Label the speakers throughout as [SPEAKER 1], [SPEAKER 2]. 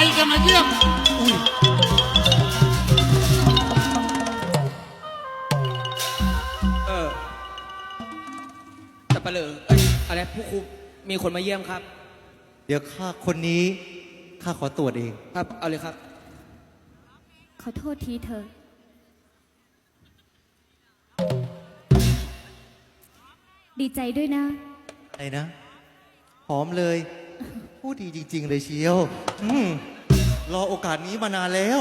[SPEAKER 1] จะมาเยี่ยมอุ้ย
[SPEAKER 2] แต่ปะเลออะไรผู้คุมมีคนมาเยี่ยมครับ
[SPEAKER 3] เดี๋ยวข้าคนนี้ข้าขอตรวจเอง
[SPEAKER 2] ครับเอาเลยครับ
[SPEAKER 4] ขอโทษทีเธอ ดีใจด้วยนะ
[SPEAKER 3] อะไรนะหอมเลยพูดดีจริง ๆ เลยเชียวรอโอกาสนี้มานานแล้ว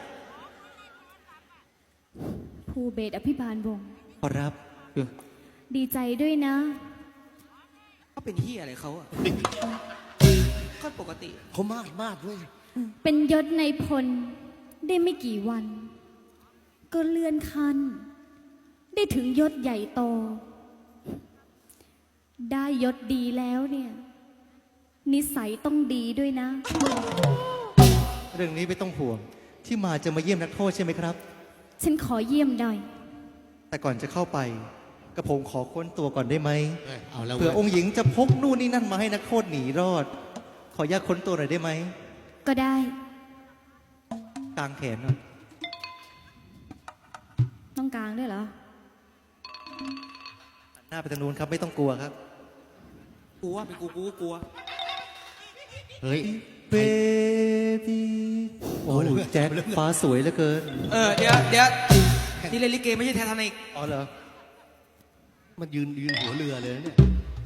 [SPEAKER 4] ภูเบศอภิบาลวงศ์
[SPEAKER 3] ขอรับ
[SPEAKER 4] ดีใจด้วยนะ
[SPEAKER 2] เขาเป็นที่อะไรเขาอะก็ปกติ
[SPEAKER 1] เขามากด้วย
[SPEAKER 4] เป็นยศในพลได้ไม่กี่วัน ก็เลื่อนขั้น ได้ถึงยศใหญ่โต ได้ยศดีแล้วเนี่ย นิสัยต้องดีด้วยนะ
[SPEAKER 3] เรื่องนี้ไม่ต้องห่วงที่มาจะมาเยี่ยมนักโทษใช่ไหมครับ
[SPEAKER 4] ฉันขอเยี่ยมหน่อย
[SPEAKER 3] แต่ก่อนจะเข้าไปกระผมขอค้นตัวก่อนได้ไหม
[SPEAKER 1] เอาแล้ว
[SPEAKER 3] เผื่อองค์หญิงจะพกนู่นนี่นั่นมาให้นักโทษหนีรอด ขออนุญาตค้นตัวหน่อยได้ไหม
[SPEAKER 4] ก็ได้
[SPEAKER 3] กลางแขนหน่อย
[SPEAKER 4] ต้องกลางด้วยเหรอ
[SPEAKER 3] หันหน้าไปทางนู้นครับไม่ต้องกลัวครับ
[SPEAKER 2] กลัวเป็นกูกลัว
[SPEAKER 1] เฮ้ย
[SPEAKER 3] เบบี้โอ้แจ็คฟ้าสวยเหลือเกิน
[SPEAKER 2] เดี๋ยวที่เล่นลิเกไม่ใช่ไททานิก
[SPEAKER 3] อ๋อเหรอ
[SPEAKER 1] มันยืนหัวเรือเลยเนี่ย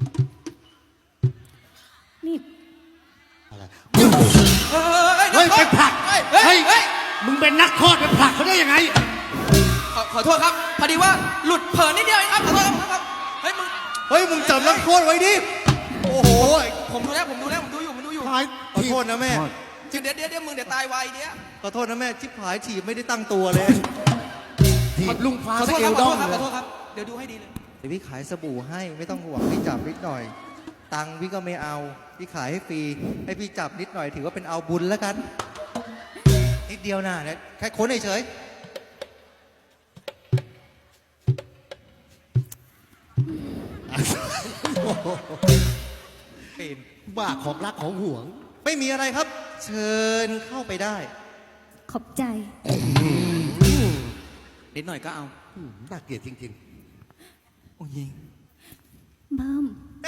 [SPEAKER 4] นี่
[SPEAKER 1] อะไร
[SPEAKER 2] เฮ้ย
[SPEAKER 1] ไปผลัก
[SPEAKER 2] เฮ้ย
[SPEAKER 1] มึงเป็นนักโทษไปผลักเขาได้ยังไง
[SPEAKER 2] ขอโทษครับพอดีว่าหลุดเผลอนิดเดียวเองครับขอโทษครับเฮ้ยมึง
[SPEAKER 3] เฮ้ยมึงจับนักโทษไว้ดิโอ้โห
[SPEAKER 2] ผมดูแล้วผมดูอยู่
[SPEAKER 3] ขอโทษนะแม่
[SPEAKER 2] เดี๋ยวมึงเดี๋ยวตายไวเดี๋ยว
[SPEAKER 3] ขอโทษนะแม่ชิบหายถีบไม่ได้ตั้งตัวเลย
[SPEAKER 1] ทีบลุงฟ้า
[SPEAKER 2] ขอ
[SPEAKER 1] ส
[SPEAKER 2] โทษ
[SPEAKER 1] เก
[SPEAKER 2] ครั
[SPEAKER 1] ล
[SPEAKER 2] บ
[SPEAKER 1] ดอง
[SPEAKER 2] ขอ
[SPEAKER 1] เลย
[SPEAKER 2] โทษครับเดี๋ยวดูให้ดีเลย
[SPEAKER 3] เดี๋ยวพี่ขายสบู่ให้ไม่ต้องห่วงพี่จับนิดหน่อย ตังค์พี่ก็ไม่เอาพี่ขายให้ฟรีให้พี่จับนิดหน่อยถือว่าเป็นเอาบุญแล้วกัน นิดเดียวนะเนี่ยแค่ค้นเฉย เป็น
[SPEAKER 1] บ้าของรักของห่วง
[SPEAKER 3] ไม่มีอะไรครับ เชิญเข้าไปได้
[SPEAKER 4] ขอบใจ
[SPEAKER 2] นิดหน่อยก็เอา
[SPEAKER 1] น่าเกลียดจริง
[SPEAKER 2] โอ้ยิง
[SPEAKER 4] บ้าม
[SPEAKER 3] ได้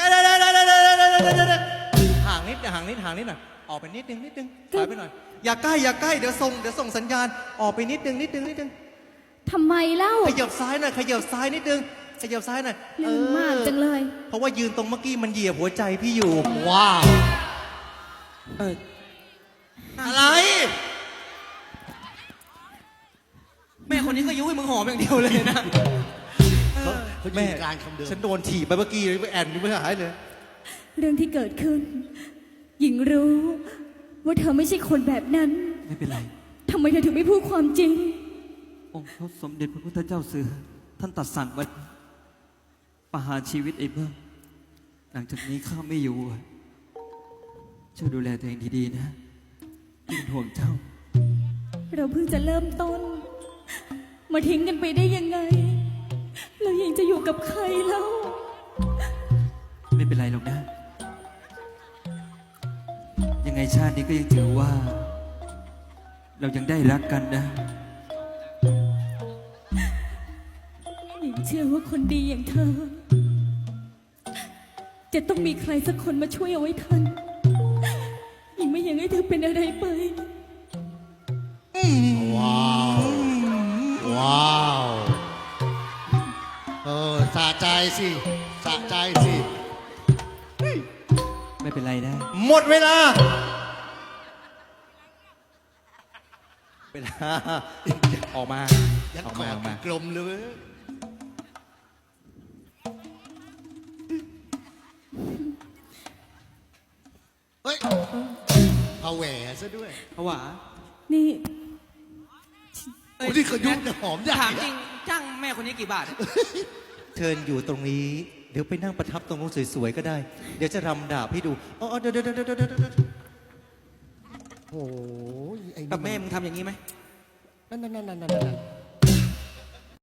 [SPEAKER 3] ห่างนิดห่างนิดหน่อยออกไปนิดนึงถอยไปหน่อยอย่าใกล้เดี๋ยวส่งสัญญาณออกไปนิดนึง
[SPEAKER 4] ทำไมเล่า
[SPEAKER 3] ขยับซ้ายหน่อยขยับซ้ายนิดนึงขยับซ้ายหน่อย
[SPEAKER 4] ลืมมากจังเลย
[SPEAKER 3] เพราะว่ายืนตรงเมื่อกี้มันเหยียบหัวใจพี่อยู่
[SPEAKER 1] ๆ ว้าว
[SPEAKER 3] อะไร
[SPEAKER 2] แม่คนนี้ก็ยุ้ยมึงหอมอย่างเดียวเลยนะ
[SPEAKER 1] เขายื
[SPEAKER 3] แม่
[SPEAKER 1] นกลางคำเดิม
[SPEAKER 3] ฉันโดนถีบไปเมื่อกี้ไปแอนนี่ไม่หายเลย
[SPEAKER 4] เรื่องที่เกิดขึ้น หญิงรู้ ว่าเธอไม่ใช่คนแบบนั้น
[SPEAKER 2] ไม่เป็นไร
[SPEAKER 4] ทำไมเธอถึงไม่พูดความจริง
[SPEAKER 2] องค์พระสมเด็จพระพุทธเจ้าเสือท่านตรัดสั่งไว้ประหารชีวิตไอ้เบิ้มหลังจากนี้ข้าไม่อยู่ช่วยดูแลตัวเองดีๆนะเป็นห่วงเจ้า
[SPEAKER 4] เราเพิ่งจะเริ่มต้น มาทิ้งกันไปได้ยังไง เรายังจะอยู่กับใครเล่า
[SPEAKER 2] ไม่เป็นไรหรอกนะ ยังไงชาตินี้ก็ยังถือว่า เรายังได้รักกันนะ
[SPEAKER 4] หญิงเชื่อว่าคนดีอย่างเธอ จะต้องมีใครสักคนมาช่วยเอาไว้ทันหญิงไม่อยากให้เธอเป็นอะไรไป
[SPEAKER 1] ว้าวว้าวสะใจสิสะใจสิ
[SPEAKER 2] ไม่เป็นไรนะ
[SPEAKER 3] หมดเวลาออกมา
[SPEAKER 1] ยัง
[SPEAKER 3] ออก
[SPEAKER 1] ก
[SPEAKER 3] มา
[SPEAKER 1] อ
[SPEAKER 3] อ
[SPEAKER 1] ด
[SPEAKER 3] อกมา
[SPEAKER 1] กลมเลย เฮ้ยเอาแหวนซะด้วย
[SPEAKER 2] เพราะว่า
[SPEAKER 4] นี่
[SPEAKER 1] โอ้นี่เขายุ่งหอมใหญ่
[SPEAKER 2] ถามจริงจ้างแม่คนนี้กี่บาท
[SPEAKER 3] เชิญอยู่ตรงนี้ เดี๋ยวไปนั่งประทับตรงนู้นสวยๆก็ได้ เดี๋ยวจะรำดาบให้ดูอ๋อเดี๋ยว
[SPEAKER 1] โอ้ยไอ้นี่
[SPEAKER 2] กับแม่มึงทำอย่างนี้ไหม
[SPEAKER 1] นั่น